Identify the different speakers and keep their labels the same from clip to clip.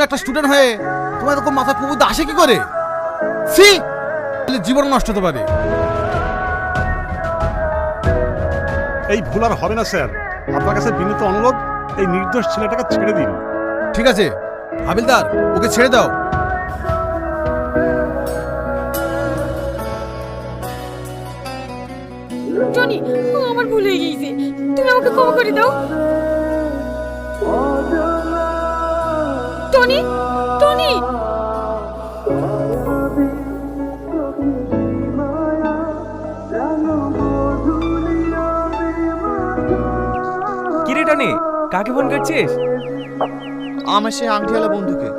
Speaker 1: একটা স্টুডেন্ট হয়ে তোমার এরকম মাথা কুবুদ আসে কি করে? সি জীবন নষ্ট হতে পারে।
Speaker 2: এই ভুল আর হবে না স্যার, আপনার কাছে বিনীত অনুরোধ, এই নির্দোষ ছেলেটাকে ছেড়ে দিন।
Speaker 1: ঠিক আছে হাবিলদার, ওকে ছেড়ে দাও।
Speaker 3: টনি, আমার ভুল হয়ে গিয়েছে, তুমি আমাকে ক্ষমা করে দাও। Tony, Tony.
Speaker 4: কিরে টনি, কাকে ফোন করছিস?
Speaker 5: আমার সেই আংটিওয়ালা বন্ধুকে।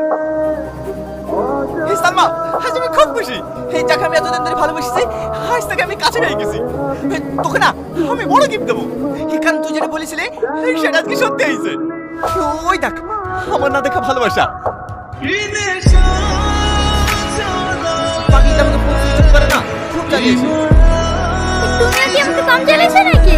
Speaker 5: এই সালমা, আজ আমি খুব খুশি। এই যাকে আমি এতদিন ধরে ভালোবাসি, আজ তাকে আমি কাছে পেয়ে গেছি। তোকে না আমি বড় গিফট দেবো। এখানে তুই যেটা বলেছিলে সেটা আজকে সত্যি হয়েছে। ওই দেখ আমার না দেখা ভালোবাসা। পাগলিটা আমাকে ফোন সুইচ করে না, খুব জ্বালিয়েছে।
Speaker 3: তুমি কি আমাকে কম জ্বালিয়েছো নাকি?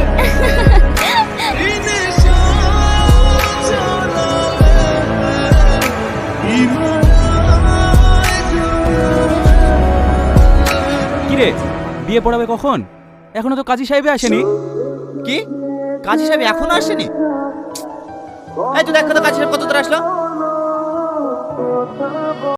Speaker 4: কিরে, বিয়ে পড়াবে কখন? এখনো তো কাজী সাহেব আসেনি।
Speaker 5: কি কাজী সাহেব এখনো আসেনি? এই তুই দেখ তো কাজী সাহেব কত দূর আসলো।